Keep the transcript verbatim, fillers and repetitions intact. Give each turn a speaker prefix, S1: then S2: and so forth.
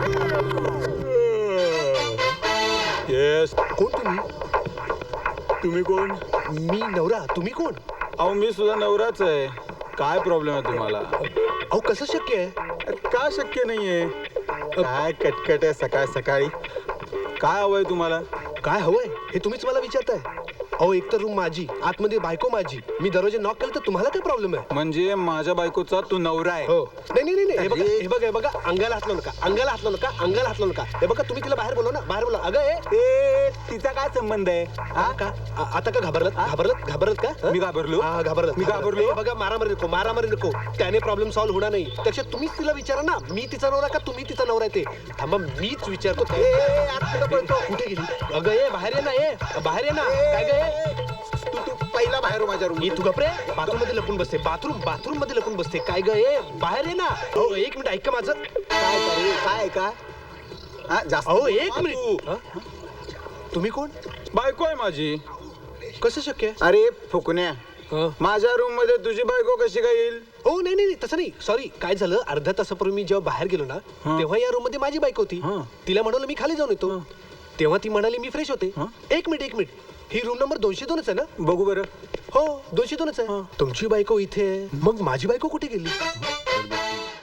S1: Yes.
S2: कोण तुम्ही?
S1: तुम्ही कोण?
S2: मी नवरा. तुम्ही कोण?
S1: अहो मी सुद्धा नवराच आहे. काय प्रॉब्लेम आहे तुम्हाला?
S2: अहो कसं शक्य आहे?
S1: का शक्य नाहीये? काय कटकट आहे सकाळ सकाळी? काय हवंय तुम्हाला?
S2: काय हवंय हे तुम्हीच मला विचारताय? अहो एक तर रूम माझी, आतमध्ये बायको माझी. मी दरवाजे नॉक केलं तर तुम्हाला काय प्रॉब्लेम आहे?
S1: म्हणजे माझ्या बायकोचा तू नवरा आहे?
S2: हो. नाही नाही नाही हे बघा
S1: अरे.
S2: हे बघा हे बघा अंगाला हातलो नका, अंगाला हातलो नका, अंगाला हातलो नका. हे बघा तुम्ही तिला बाहेर बोलवा ना, बाहेर बोला. अगं ए
S1: ए तिचा काय संबंध आहे?
S2: हा का आ- आता का घाबरलात घाबरलात घाबरलात का हं?
S1: मी घाबरलो?
S2: हा घाबरलात
S1: मी घाबरलो?
S2: हे बघा मारामारी नको मारामारी नको. त्याने प्रॉब्लेम सॉल्व्ह होणार नाही. त्याच्यात तुम्हीच तिला विचारा ना, मी तिचा नवरा का तुम्ही तिचा नवरा आहे ते. थांबा मीच विचारतो. ए, ए, ए, आत कुठं पळतो? कुठे गेली? अगं ए बाहेर ये ना, ए बाहेर ये ना. काय ग ए?
S1: तू तू पहिला बाहेर हो माझ्या रूम.
S2: मी तू गपरे बाथरूम मध्ये लपून बसते. बाथरूम बाथरूम मध्ये लपून बसते. काय ग ए बाहेर ये ना. हो एक मिनिट ऐका माझं.
S1: काय काय काय का? हा जास्त
S2: अहो एक
S1: हा,
S2: मिनिट
S1: तू.
S2: हं? तुम्ही कोण?
S1: बायको आहे माझी.
S2: कसं शक्य आहे?
S1: अरे फुकण्या,
S2: हं?
S1: माझ्या रूम मध्ये तुझी बायको कशी काय येईल?
S2: हो नाही नाही नाही, तसं नाही. सॉरी काय झालं अर्ध्या तासापूर्वी मी जेव्हा बाहेर गेलो ना
S1: हं.
S2: तेव्हा या रूम मध्ये माझी बायको होती.
S1: हं.
S2: तिला म्हणालो मी खाली जाऊन येतो. तेव्हा ती म्हणाली मी फ्रेश होते.
S1: हं.
S2: एक मिनिट एक मिनिट ही रूम नंबर दोनशे दोनच आहे ना?
S1: बघू बरं.
S2: हो दोनशे दोनच आहे.
S1: हं.
S2: तुमची बायको इथे आहे. मग माझी बायको कुठे गेली?